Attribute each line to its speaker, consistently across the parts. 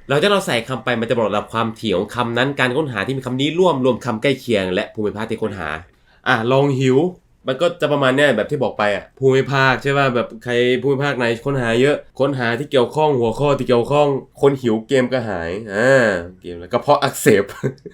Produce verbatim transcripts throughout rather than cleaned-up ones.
Speaker 1: เราจะเราใส่คำไปมันจะบอกระดับความถี่ของคำนั้นการค้นหาที่มีคำนี้ร่วมรวมคำใกล้เคียงและภูมิภาคที่ค้นหาอ่ะลองหิวมันก็จะประมาณเนี้ยแบบที่บอกไปอ่ะภูมิภาคใช่ป่ะแบบใครภูมิภาคไหนค้นหาเยอะค้นหาที่เกี่ยวข้องหัวข้อที่เกี่ยวข้องคนหิวเกมกระหายอ่าเกมแล้วก็เพราะอักเสบ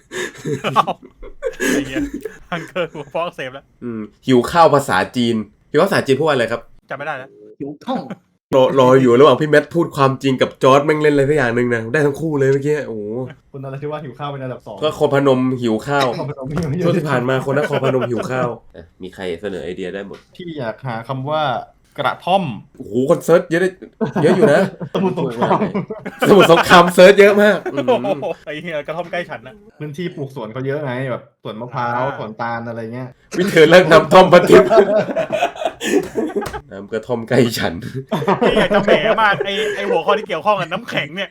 Speaker 2: ไอ้เงี้ยฮังเกอร์หัวฟอกเซฟแล้ว
Speaker 1: อืมหิวข้าวภาษาจีนหิวภาษาจีนพูดว่าอะไรครับ
Speaker 2: จำไม่ได้แล้ว
Speaker 3: หิวข้อง
Speaker 1: รอรออยู่ระหว่างพี่แมทพูดความจริงกับจอร์ดแม่งเล่นอะไรสักอย่างหนึ่งนะได้ทั้งคู่เลยเมื่อกี้โอ้โห
Speaker 3: คุณอะไรที่ว่าหิวข้าวเป็นอันดับสอง
Speaker 1: ก็คนพนมหิวข้าวช่วงที่ผ่านมาคนนครพนมหิวข้าวมีใครเสนอไอเดียได้หมด
Speaker 3: ที่อยากหาคำว่ากระท่อม
Speaker 1: โอ้โหคนเซิร์ชเยอะได้เยอะอยู่นะ
Speaker 3: สมุทรสงคราม
Speaker 1: สมุทรสงครามเซิร์ชเยอะมาก
Speaker 2: ไอ้เหี้ยกระท่อมใกล้ฉันนะ
Speaker 3: พื้นที่ปลูกสวนเขาเยอะไงแบบสวนมะพร้าวสวนตาลอะไรเงี้ย
Speaker 1: วิเธอเลิกนำท่อมปฏิบน้ำกระท่อมใกล้ฉัน
Speaker 2: ที่อยากจะแหมมากไอ้ไอ้หัวข้อที่เกี่ยวข้องกับน้ำแข็งเนี่ย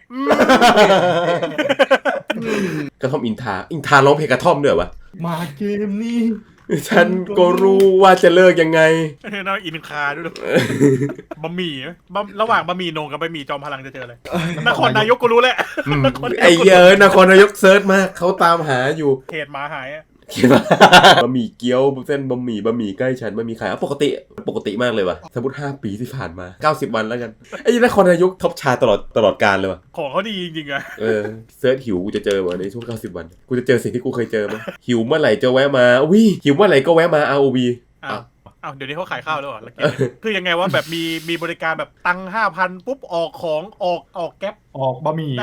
Speaker 1: กระท่อมอินทาอินทาร้องเพลงกระท่อมด้วยวะ
Speaker 3: มาเกมนี้
Speaker 1: ฉันก็รู้ว่าจะเลิกยังไง
Speaker 2: น่าอินคาด้วยบะหมี่ระหว่างบะหมี่โหน่งกับบะหมี่จอมพลังจะเจออะไรนครนายกก็รู้แหละ
Speaker 1: ไอ้เยอะนครนายกเซิร์ชมากเขาตามหาอยู่
Speaker 2: เขตมาหาย
Speaker 1: คิดว่าบะหมี่เกี๊ยวเส้นบะหมี่บะหมี่ใกล้ฉันบะหมี่ขายปกติปกติมากเลยว่ะสมมติห้าปีที่ผ่านมาเก้าสิบวันแล้วกันไอ้นครนายกท็อปชาตลอดตลอดกาลเลยว่ะ
Speaker 2: ของเขาดีจริงๆอะ
Speaker 1: เออเซิร์ชหิวกูจะเจอว่ะในช่วงเก้าสิบวันกูจะเจอสิ่งที่กูเคยเจอมั้ยหิวเมื่อไหร่จะแวะมาอุ้ยหิวเมื่อไหร่ก็แวะมา อาร์ โอ วี
Speaker 2: อ้าวอ้าวเดี๋ยวนี้เขาขายข้าวแล้วเหรอคือยังไงว่าแบบมีมีบริการแบบตังค์ห้าพันปุ๊บออกของออกออกแก๊ป
Speaker 3: ออกบะหมี่
Speaker 2: ได้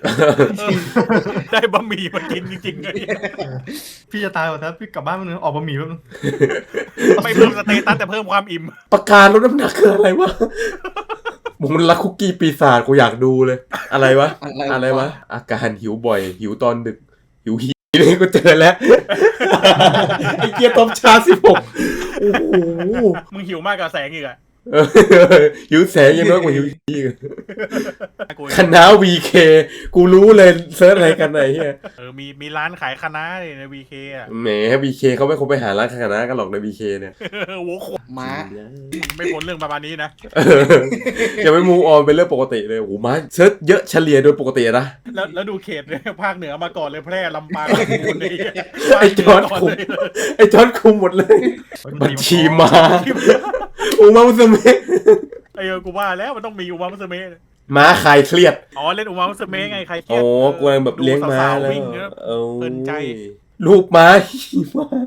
Speaker 2: ได้บะหมี่มากินจริงๆเลย
Speaker 3: พี่จะตายหมดแล้วพี่กลับบ้านมันนึงออกบะหมี่แป๊บนึง
Speaker 2: ไม่เพิ่มสเตตัสแต่เพิ่มความอิ่ม
Speaker 1: ประกาศลดน้ำหนักคืออะไรวะมึงรักคุกกี้ปีศาจกูอยากดูเลยอะไรวะอะไรวะอาการหิวบ่อยหิวตอนดึกหิวหีนี่กูเจอแล้วไอ้เกียร์ต้มชาสิบหกโอ้โห
Speaker 2: มึงหิวมากกับแสงอีกอะ
Speaker 1: หิวแสงยังน้อยกว่าหิวอีกคณะ วี เค กูรู้เลยเซิร์ชอะไรกันไหนเฮีย
Speaker 2: เออมีมีร้านขายคณะใน วี เค อ่ะ
Speaker 1: แหม วี เค เขาไม่คงไปหาร้านคณะกันหรอกใน วี เค เนี่ย
Speaker 2: โว้โห
Speaker 3: ม้า
Speaker 2: ไม่พ้นเรื่องประมาณนี้นะ
Speaker 1: จะไม่มูออนเป็นเรื่องปกติเลยโอ้ม้าเซิร์ชเยอะเฉลี่ยโดยปกตินะ
Speaker 2: แล้วแล้วดูเขตเนี่ยภาคเหนือมาก่อนเลยแพร่ลำปาง
Speaker 1: ไอ้จอนคุมไอ้จอนคุมหมดเลยบัญชีมาอุมามุสเมะ
Speaker 2: ไอ้เออกูว่าแล้วมันต้องมีอุมามุสเมะ
Speaker 1: ม้าคลายเครียด
Speaker 2: อ๋อเล่นอุมามุสเมะไงใครเครียด
Speaker 1: โอ้กูแบบเลี้ยงม้าแล้ว
Speaker 2: เพลินใจ
Speaker 1: ลูกม้าขี่ม้า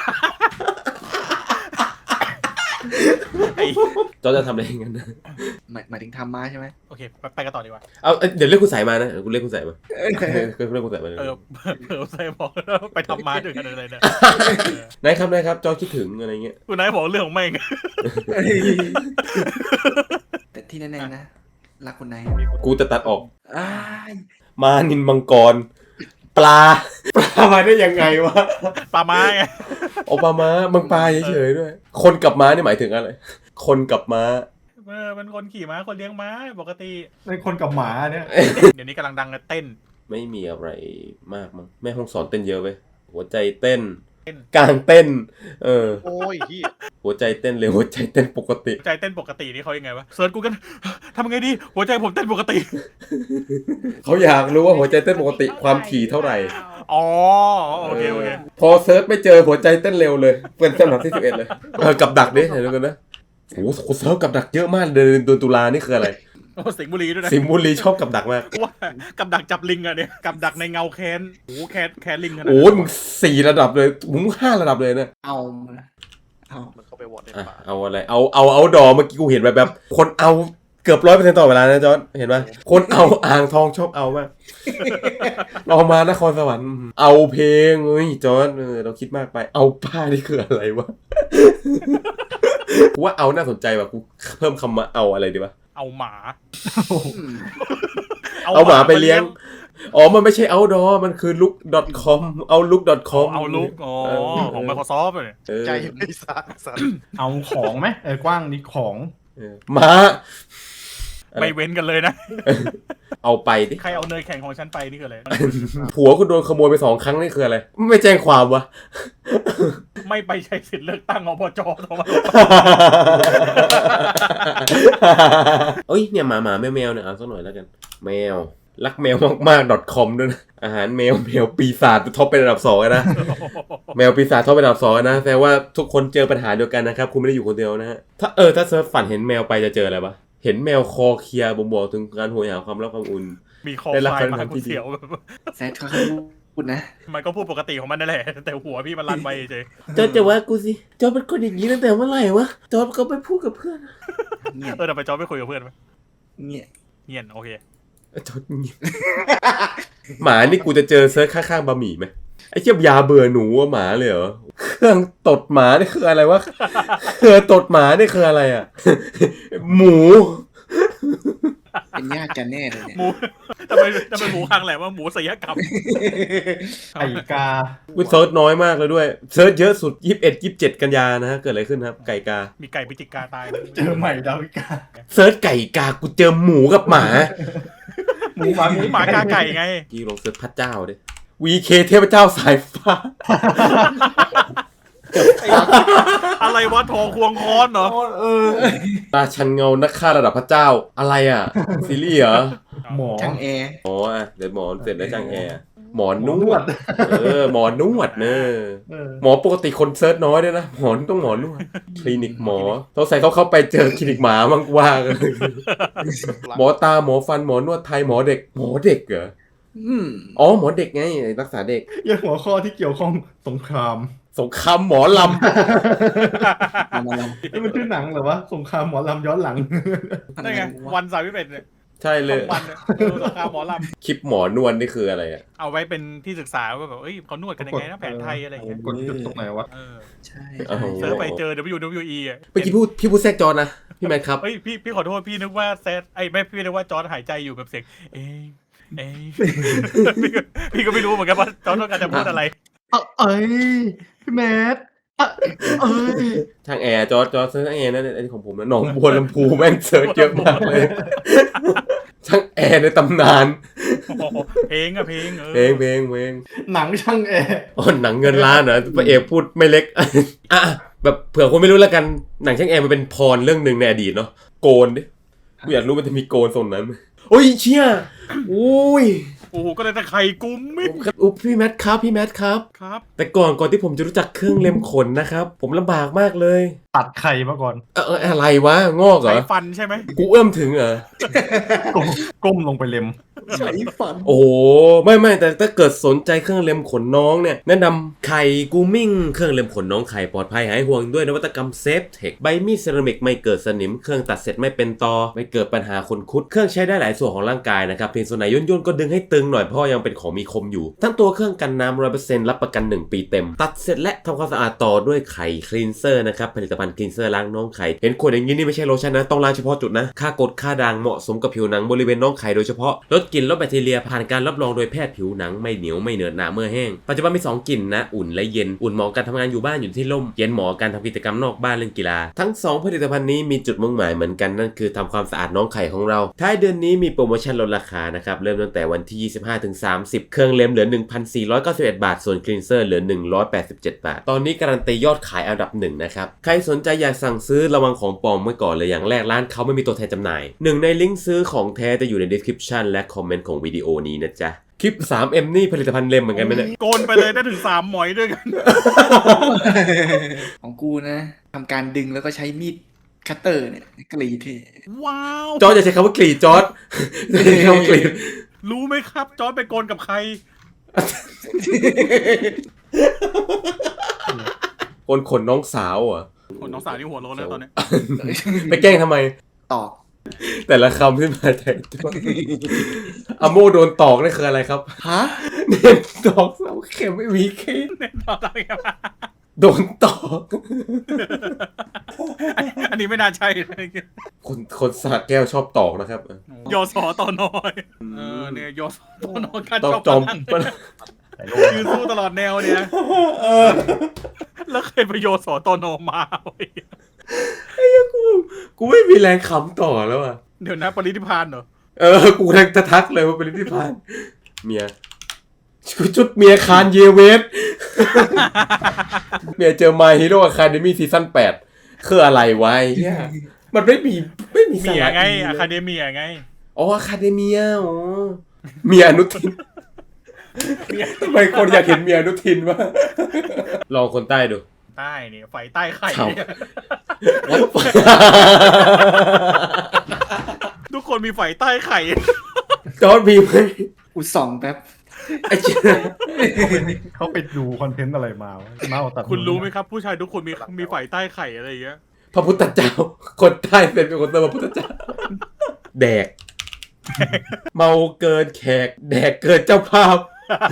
Speaker 1: จอจะทำอะไรอย่างนั้นนะ
Speaker 3: หมายถึงทำม้าใช่ไหม
Speaker 2: โอเคไปกันต่อดีกว่า
Speaker 1: เอาเดี๋ยวเรียกคุณสายมานะกูเรียกคุณสายมาเรียกคุณสายมา
Speaker 2: เออเออใส่บอกไปทำม้าด้วยกันอะไรเนี่ย
Speaker 1: นายครับนายครับจอคิดถึงอะไรเงี้ย
Speaker 2: คุณนายบอกเรื่องของแม่ง
Speaker 3: แต่ที่แน่ๆนะรักคนไหน
Speaker 1: กูจะตัดออกมานินมังกรปลาปลามาได้ยังไงวะ
Speaker 2: ปลาม้าไง
Speaker 1: โอปลาม้ามังปลาเฉยๆด้วยคนกับม้านี่หมายถึงอะไรคนกับม้า
Speaker 2: เออเป็นคนขี่ม้าคนเลี้ยงม้าปกติ
Speaker 3: เป็นคนกับหมาเนี่ย
Speaker 2: เดี๋ยวนี้กำลังดังเต้น
Speaker 1: ไม่มีอะไรมากมั้งแม่ห้องสอนเต้นเยอะเว้ยหัวใจเต้นกลางเต้นเออ
Speaker 2: โอ้ยพี่
Speaker 1: หัวใจเต้นเลยหัวใจเต้นปกติ
Speaker 2: ใจเต้นปกตินี่เขายังไงวะเซิร์ชกูกันทำไงดีหัวใจผมเต้นปกติ
Speaker 1: เขาอยากรู้ว่าหัวใจเต้นปกติความถี่เท่าไหร่
Speaker 2: อ๋อโอเคโอเค
Speaker 1: พอเซิร์ชไม่เจอหัวใจเต้นเร็วเลยเป็นลำดับที่สิบเอ็ดเลยเออกับดักดิเห็นดูกันนะโอ้โหเซิร์ชกับดักเยอะมากเดือนตุลานี่คืออะไร
Speaker 2: โอ้สิงห์บุรีด้วยนะ
Speaker 1: สิงห์บุรีชอบกับดักมาก
Speaker 2: ว่ากับดักจับลิงอะเนี่ยกับดักในเงาแคนโอ้แคนแคนลิงขนาด
Speaker 1: โอ้มึงสี่ระดับเลยมึงห้าระดับเลยนะ
Speaker 3: เอา
Speaker 2: เอามันเข้าไปวอดในป่า
Speaker 1: เอาอะไรเอาเอาเอาดอเมื่อกี้กูเห็นแบบแบบคนเอาเกือบร้อยเปอร์เซ็นต์ต่อเวลานะจอนเห็นไหมคนเอาอ่างทองชอบเอามากเรามานครสวรรค์เอาเพลงเฮ้ยจอนเออเราคิดมากไปเอาป้านี่คืออะไรวะกูว่าเอาน่าสนใจว่ะกูเพิ่มคำมาเอาอะไรดีวะ
Speaker 2: เอาหมา
Speaker 1: เอาหมาไปเลี้ยงอ๋อมันไม่ใช่ outdoor มันคือ look ดอท คอม เอา look ดอท คอม
Speaker 2: เอา look อ๋อของ Microsoft เลย
Speaker 3: ใจไม่สั่นสั่นเอาของไหมเออกว้างนี่ของ
Speaker 1: ม้า
Speaker 2: ไม่เว้นกันเลยนะ
Speaker 1: เอาไปดิ
Speaker 2: ใครเอาเนยแข็งของฉันไปนี่คืออะไร
Speaker 1: ผัวคุณโดนขโมยไปสองครั้งนี่คืออะไรไม่แจ้งความวะ
Speaker 2: ไม่ไปใช้สิทธิ์เลือกตั้งอบจ.ทำไม
Speaker 1: เอ้ยเนี่ยหมาหมาแมวแมวเนี่ยเอาสักหน่อยแล้วกันแมวรักแมวมากๆ .com ด้วยนะอาหารแมวแมวปีศาจท็อปเป็นอันดับสองนะ แมวปีศาจท็อปเป็นอันดับสองนะแสดงว่าทุกคนเจอปัญหาเดียวกันนะครับคุณไม่ได้อยู่คนเดียวนะฮะถ้าเออถ้าเซิร์ฟฝันเห็นแมวไปจะเจออะไรปะเห็นแมวคอเคลียร์บ่งบอกถึงการโหยหาความรักความอุ่น
Speaker 2: มีคอ
Speaker 1: ได้รับ
Speaker 2: ไฟ
Speaker 1: การ
Speaker 2: มา
Speaker 1: ทำที่
Speaker 2: กู
Speaker 1: ดี
Speaker 2: เสียวแบบ
Speaker 4: แซดเขาพูดนะ
Speaker 2: มันก็พูดปกติของมันนั่นแหละแต่หัวพี่มันลั่นไปเฉย
Speaker 1: จอร์จจะว่ากูสิจอร์จเป็นคนอย่างนี้ตั้งแต่เมื่อไหร่วะจอร์จก็ไปพูดกับเพื่อน
Speaker 4: เงียบ
Speaker 2: เออเดี๋ยวไปจอไม่คุยกับเพื่อนไหม
Speaker 4: เงียบ
Speaker 2: เงียนโอเค
Speaker 1: จอร์จเงียบหมานี่กูจะเจอเซิร์ชข้างๆบะหมี่ไหมไอ้เจี๊ยบยาเบื่อหนูว่าหมาเลยเหรอเครื่องตดหมานี่คืออะไรวะเครื่องตดหมานี่คืออะไรอ่ะ หมู
Speaker 4: เป็นญาติกันแน่เลยเนี่ย
Speaker 2: หมูทำไมทำไมหมูคังแหละว่าหมูศิลกรรม
Speaker 3: ไก่กา
Speaker 1: กูเซิร์ชน้อยมากเลยด้วยเซิร์ชเยอะสุดยี่สิบเอ็ด ยี่สิบเจ็ดกันยานะฮะเกิดอะไรขึ้นครับไก่กา
Speaker 2: มีไก่ปิจิกาตาย
Speaker 3: เจอใหม่ดาวิกา
Speaker 1: เซิร์ชไก่กากูเจอหมูกับหมา
Speaker 3: หมูหมา
Speaker 2: หมูหมากาไก่ไง
Speaker 1: พี่ลองเซิร์ชพระเจ้าดิ วี เค เทพเจ้าสายฟ้า
Speaker 2: อะไรวะทองควงค้อนเหรอ
Speaker 1: ตาชันเงานักฆ่าระดับพระเจ้าอะไรอ่ะซีรีส์เหรอ
Speaker 3: หมอ
Speaker 4: ช่างแอร์
Speaker 1: อ๋ออ่ะเดี๋ยวหมอเสร็จแล้วจังแอร์หมอ
Speaker 3: ห
Speaker 1: น
Speaker 3: มอน
Speaker 1: ว
Speaker 3: ว
Speaker 1: ด
Speaker 3: ด
Speaker 1: เออหมอนวดเนอะ
Speaker 3: เออ
Speaker 1: หมอปกติคนเซิร์ชน้อยด้วยนะหมอนต้องหมอนวดคลินิกหมอต้องใส่เขาเข้าไปเจอคลินิกหมามั่งว่ากันหมอตาหมอฟันหมอนวดไทยหมอเด็กหมอเด็กเหรอ
Speaker 4: อืม
Speaker 1: อ๋อหมอเด็กไงรักษาเด็ก
Speaker 3: ยังหัวข้อที่เกี่ยวข้องสงคราม
Speaker 1: สงครามหมอล
Speaker 4: มามาล
Speaker 3: ไอ้ยมันชื่อหนังเหรอวะสงครามหมอลำย้อนหลัง
Speaker 4: ำ
Speaker 2: ได้ไงวันสามสิบเอ็ดเนี่ย
Speaker 1: ำใช่เล
Speaker 2: สอย งวันเนี่ยดูสงครามหมอล
Speaker 1: คลิปหมอนวดนี่คืออะไรอ่ะ
Speaker 2: ำเอาไว้เป็นที่ศึกษาว่าแบบเอ้ยเขานวดกันยังไงนะแผนไทยอะไรอย่างเงี้ย
Speaker 3: กดจุดตรงไหนวะ
Speaker 2: เออ
Speaker 4: ใช่
Speaker 1: โอ้โห
Speaker 2: เซิร์ฟไปเจอ ดับเบิลยู ดับเบิลยู อี อ่ะ
Speaker 1: เมื่อกี้พูดพี่พูดแทรกจอนะพี่แมนครับ
Speaker 2: เฮ้ยพี่พี่ขอโทษพี่นึกว่าแซดไอ้ไม่พี่นึกว่าจอร์ดหายใจอยู่แบบเสียงเอ้ยเอ้ย พี่ก็พี่ก็ไม่รู้เหมือนกันว่าจอร์ดต้องการจะพูดอะไร
Speaker 3: เอ้ยพี่แมทเอ้ย
Speaker 1: ทางแอร์จอร์จจอร์จเซิร์ชทางแอร์นั่นอันนี้ของผมนะหนองบัวลำพูแม่งเซิร์ชเยอะมากเลยทางแอร์ในตำนาน
Speaker 2: โอ้โหเพลงอะเพลงเออ
Speaker 1: เพลงเพลงเพลง
Speaker 3: หนังช่างแอร์
Speaker 1: อ๋อหนังเงินล้านเหรอพระเอกพูดไม่เล็ก อ่ะแบบเผื่อคนไม่รู้แล้วกันหนังช่างแอร์มันเป็นพรเรื่องหนึ่งในอดีตเนาะโกนดิกูอยากรู้มันจะมีโกนทรงนั้นไหมโอ้ยเชี่ยอุ้ย
Speaker 2: โอ้โหก็เลยแต่ไข่กุ้มมิด
Speaker 1: อุ๊ยพี่แมทครับพี่แมทครับ
Speaker 2: ครับ
Speaker 1: แต่ก่อนก่อนที่ผมจะรู้จักเครื่องเล็มขนนะครับผมลำบากมากเลย
Speaker 3: ตัดไข่มาก่อน
Speaker 1: เออเอออะไรวะงอกเหร
Speaker 2: ใช้
Speaker 1: อ
Speaker 2: ฟันใช่ไหม
Speaker 1: กูเอื้อมถึงเหรอ
Speaker 3: ก้มก้มลงไปเล็ม
Speaker 4: ใช้ฟัน
Speaker 1: โอ้โหไม่ไม่แต่ถ้าเกิดสนใจเครื่องเล็มขนน้องเนี่ยแนะนำไข่กูมิ่งเครื่องเล็มขนน้องไข่ปลอดภัยหายห่วงด้วยนวัตกรรมเซฟเทคใบมีดเซรามิกไม่เกิดสนิมเครื่องตัดเสร็จไม่เป็นตอไม่เกิดปัญหาขนคุดเครื่องใช้ได้หลายส่วนของร่างกายนะครับเพียงส่วนไหนย่นย่นๆก็ดึงให้ตึงหน่อยเพราะยังเป็นของมีคมอยู่ทั้งตัวเครื่องกันน้ำร้อยเปอร์เซ็นต์รับประกันหนึ่งปีเต็มตัดเสร็จและทำความสะอาดต่อด้วยไข่คลีนเซอร์นะครับผลิตภัณฑ์คลีนเซอร์ล้างน้องไข่เห็นขวดอย่างนี้นี่ไม่ใช่โลชั่นนะต้องล้างเฉพาะจุดนะค่ากรดค่าด่างเหมาะสมกับผิวหนังบริเวณน้องไข่โดยเฉพาะลดกลิ่นลดแบคทีเรียผ่านการรับรองโดยแพทย์ผิวหนังไม่เหนียวไม่เหนอะหนะเมื่อแห้งปัจจุบันมีสองกลิ่นนะอุ่นและเย็นอุ่นเหมาะการทำงานอยู่บ้านอยู่ที่ร่มเย็นเหมาะการทำกิจกรรมนอกบ้านเล่นกีฬาทั้งสองผลิตภัณฑ์นี้มีจุดมุ่งหมายเหมือนกันนั่นคือทำความสะอาดน้องไข่ของเราท้ายเดือนนี้มีโปรโมชั่นลดราคานะครับเริ่มตั้งแต่วันที่ยี่สิบห้าถึงสามสิบเครื่องเล็มเหลือ หนึ่งพันสี่ร้อยเก้าสิบเอ็ด บาทส่วนคลีนเซอร์เหลือหนึ่งร้อยแปดสิบเจ็ดบาทตอนนี้การันตียอดขายอันดับหนึ่งนะครับใครสนใจอยากสั่งซื้อระวังของปลอมไว้ก่อนเลยอย่างแรกร้านเขาไม่มีตัวแทนจำหน่ายหนึ่งในลิงก์ซื้อของแท้จะอยู่ใน description และคอมเมนต์ของวิดีโอนี้นะจ๊ะคลิป ทรี เอ็ม นี่ผลิตภัณฑ์เล็มเหมือนกันไหมเนี่ย
Speaker 2: โกนไปเลยได้ถึงสามหมอยด้วยกัน
Speaker 4: ของกูนะทำการดึงแล้วก็ใช้มีดคัตเตอร์เนี่ยกรีดที่
Speaker 2: ว้าว
Speaker 1: จอร์จอย่าใช้คำว่ากรีดจอร์จอย่าใช้คำว่ากรีด
Speaker 2: รู้ไหมครับจอร์ดไปโกนกับใคร
Speaker 1: คนขนน้องสาวเหรอ่ะ
Speaker 2: คนน้องสาวนี่หัวโล้นแล้วตอนเนี้ย
Speaker 1: ไปแกล้งทำไม
Speaker 4: ตอก
Speaker 1: แต่ละคำที่มาแต่ตัวอะโมโดนตอกนี่คืออะไรครับ
Speaker 4: ฮะ
Speaker 1: เน้นตอกเสาเข็มไม่มีเคส
Speaker 2: เน้นตอนอะไรกันวะ
Speaker 1: โดนตอก
Speaker 2: อันนี้ไม่น่าใช่เลย
Speaker 1: คนคนสระแก้วชอบตอกนะครับ
Speaker 2: ยอสอตอนน้อยเออเนี่ยยอสอตอนน้อยการ
Speaker 1: ต้อง
Speaker 2: ชอบ
Speaker 1: จอม
Speaker 2: ปะนั่งยืนสู้ตลอดแนวเนี่ยแล้วเคยไปโยสอตอนอมาเว้ย
Speaker 1: กูกูไม่มีแรงขำต่อแล้วอ่ะ
Speaker 2: เดี๋ยวนะปริธิพานเหรอ
Speaker 1: เออกูกำลังจะทักเลยว่าเป็นที่พานเมียชุดเมียคานเยเวส เมียเจอ My Hero Academy ซีซั่นแปดคืออะไรวะไอ้เหี้ยมันไม่มีไม่มีสา
Speaker 2: เมีย
Speaker 1: ระ
Speaker 2: ไง
Speaker 1: ดี
Speaker 2: อะ
Speaker 1: เลย
Speaker 2: คาเดเมียไง
Speaker 1: อ๋ออะคาเดเมียอ๋อเมียอนุทินทำไมคนอยากเห็นเมียอนุทินวะลองคนใต้ดู
Speaker 2: ใต้เนี่ยไฟใต้ไข่
Speaker 1: เขา
Speaker 2: เนี่ยทุกคนมีไฟใต้ไข่
Speaker 1: จอร์ดมีไหม
Speaker 4: อุดส่องแป๊บ
Speaker 1: ไอ้เจ้า
Speaker 3: เขาไปดูคอนเทนต์อะไรมาวะเมาตัด
Speaker 2: คุณรู้ไหมครับ ผู้ชายทุกคนมีมีไฟใต้ไข่อะไรอย่างเงี้ย
Speaker 1: พระพุทธเจ้า คนใต้เป็นเป็นคนเติมพระพุทธเจ้า แดก เมาเกินแขก แดกเกินเจ้าภาพ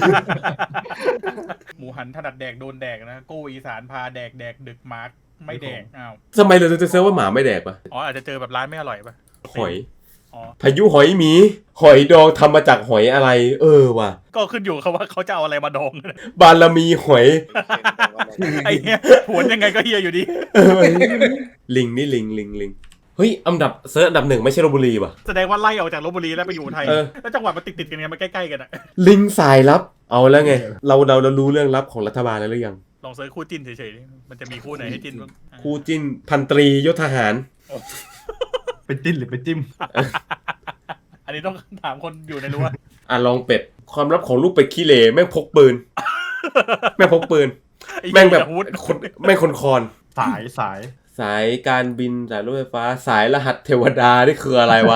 Speaker 2: หมูหันถนัดแดกโดนแดกนะกู้อีสานพาแดกแดกดึกมาร์กไม่แดกอ้าว
Speaker 1: ทำไมเราจะเซิร์ฟว่าหมาไม่แดกปะ
Speaker 2: อ๋ออาจจะเจอแบบร้านไม่อร่อยป่ะ
Speaker 1: หอย
Speaker 2: อ๋อ
Speaker 1: พายุหอยหมี หอยดองทำมาจากหอยอะไร เออว่ะ
Speaker 2: ก็ขึ้นอยู่กับว่าเขาจะเอาอะไรมาดอง
Speaker 1: บารมีหอย
Speaker 2: ไอ้เนี้ยผวนยังไงก็เฮียอยู่ดี
Speaker 1: เออลิงนี่ลิงลิงลิงเฮ้ยอันดับเซิร์ชอันดับหนึ่งไม่ใช่ลพบุรีป่ะ
Speaker 2: แสดงว่าไล่ออกจากลพบุรีแล้วไปอยู่ไทย
Speaker 1: เออ
Speaker 2: แล้วจังหวัดมันติดติดๆกันไงมันใกล้ๆกันอะ
Speaker 1: ลิงสายลับ เอาแล้วไง เราเราเรารู้เรื่องลับของรัฐบาลแล้วหรือยัง
Speaker 2: ลองเซิร์ชคู่จิ้นเฉยๆดิมันจะมีคู่ไหนให้จิ้นบ้าง
Speaker 1: คู่จิ้นพันตรียศทหาร
Speaker 3: เป็นจิ้นหรือเป็นจิ้ม
Speaker 2: อันนี้ต้องถามคนอยู่ในรั้ว
Speaker 1: อ่ะลองเป็ด ความลับของลูกเป็ดขี้เหร่แม่งพกปืน แม่งพกปืน
Speaker 2: ไอ้
Speaker 1: แม่งแบบ
Speaker 2: อาวุธ
Speaker 1: คนแม่งคนคอน
Speaker 3: สายสาย
Speaker 1: สายการบินสายรถไฟฟ้า สายรหัสเทวดานี่คืออะไรวะ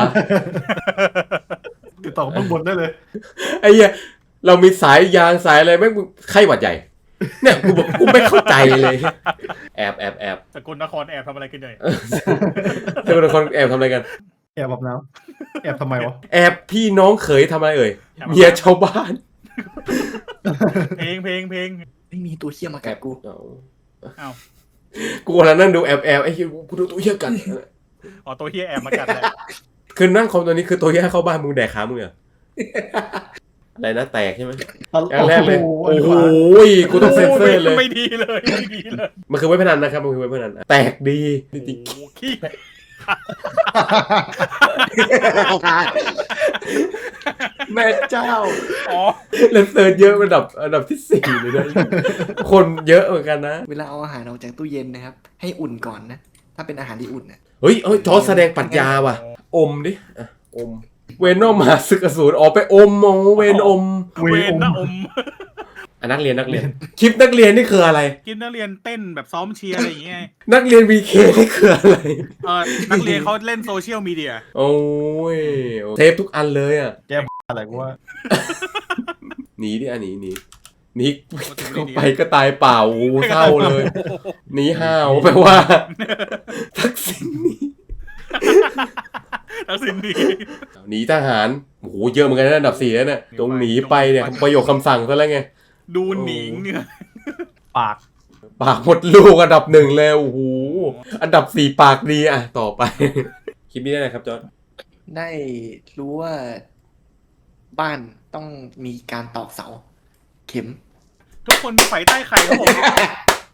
Speaker 3: ติดต่อข้างบนได้เลย
Speaker 1: ไอ้เหี้ยเรามีสายยางสายอะไรแม่งไข้หวัดใหญ่ เนี่ยกูบอกกูไม่เข้าใจเลย แอบแอบแอบ
Speaker 2: สกุลนครแอบทำอะไรกันหน่อย
Speaker 1: เทวดาคนแอบทำอะไรกัน
Speaker 3: แอบแบบน้ำแอบทำไมวะ
Speaker 1: แอบพี่น้องเขยทำอะไรเอ่ยเมียชาวบ้าน
Speaker 2: เพลงเพลงเพลง
Speaker 4: ไม่มีตัวเหี้ยมากัดกู
Speaker 1: เอา
Speaker 2: อ้าว
Speaker 1: กูกำลังนั่งดูแอบแอบไอ้เหี้ยกูดูตัวเหี้ยกัน
Speaker 2: อ๋อตัวเฮียแอบมากัดแหละ
Speaker 1: คือนั่งคอมตัวนี้คือตัวเหี้ยเข้าบ้านมึงแดกขามึงเหรออะไรนะแตกใช่ไหมอย่างแรกเลย โอ้โหกูต้องเซ็นเซอร์เลย
Speaker 2: ไม่ดีเลยไม่ดีเลย
Speaker 1: มันคือเว็บพนันนะครับมันคือเว็บพนันแตกดีจริง
Speaker 2: โอ้โหขี้
Speaker 4: แม่เจ้า
Speaker 2: อ๋อ
Speaker 1: ๆแล้วเซิร์ชเยอะระดับระดับที่สี่เลยนะคนเยอะเหมือนกันนะ
Speaker 4: เวลาเอาอาหารออกจากตู้เย็นนะครับ ให้อุ่นก่อนนะ ถ้าเป็นอาหารที่อุ่นนะ
Speaker 1: เฮ้ยเฮ้ยจอร์จแสดงปรัชญาว่ะ อมดิอ่ะอม เวนอมมาศึกอสูรออกไปอมโอ้เวนอม
Speaker 2: เวนนะอม
Speaker 1: อ่ะนักเรียนนักเรียน คลิปนักเรียนนี่คืออะไร
Speaker 2: กินนักเรียนเต้นแบบซ้อมเชียร์อะไรอย่างเงี้ย
Speaker 1: นักเรียนวีเคนี่คืออะไร
Speaker 2: เออนักเรียนเขาเล่นโซเชียลมีเดีย
Speaker 1: โอ้ยเทปทุกอันเลยอ่ะ
Speaker 3: อะไรกูว่า
Speaker 1: หนีดิอ่ะหนีหนีหนีเข้าไปก็ตายเปล่าโอ้โหเศร้าเลยหนีห้าวแปลว่า ทักษิณหนี
Speaker 2: ทักษิณดี
Speaker 1: หนีทหารโอ้โหเยอะเหมือนกันนะอันดับสี่แล้วเนี่ยตรงหนีไปเนี่ยประโยคคำสั่งซะแล้วไง
Speaker 2: ดูหนิงเนี่ย
Speaker 3: ปาก
Speaker 1: ปากหมดลูกอันดับหนึ่งเลยโอ้โหอันดับสี่ปากดีอ่ะต่อไป คลิปนี้ได้ไหนครับจอร์จ
Speaker 4: ได้รู้ว่าบ้านต้องมีการตอกเสา เข็ม
Speaker 2: ทุกคนมีไฟใต้ไข่ครับผม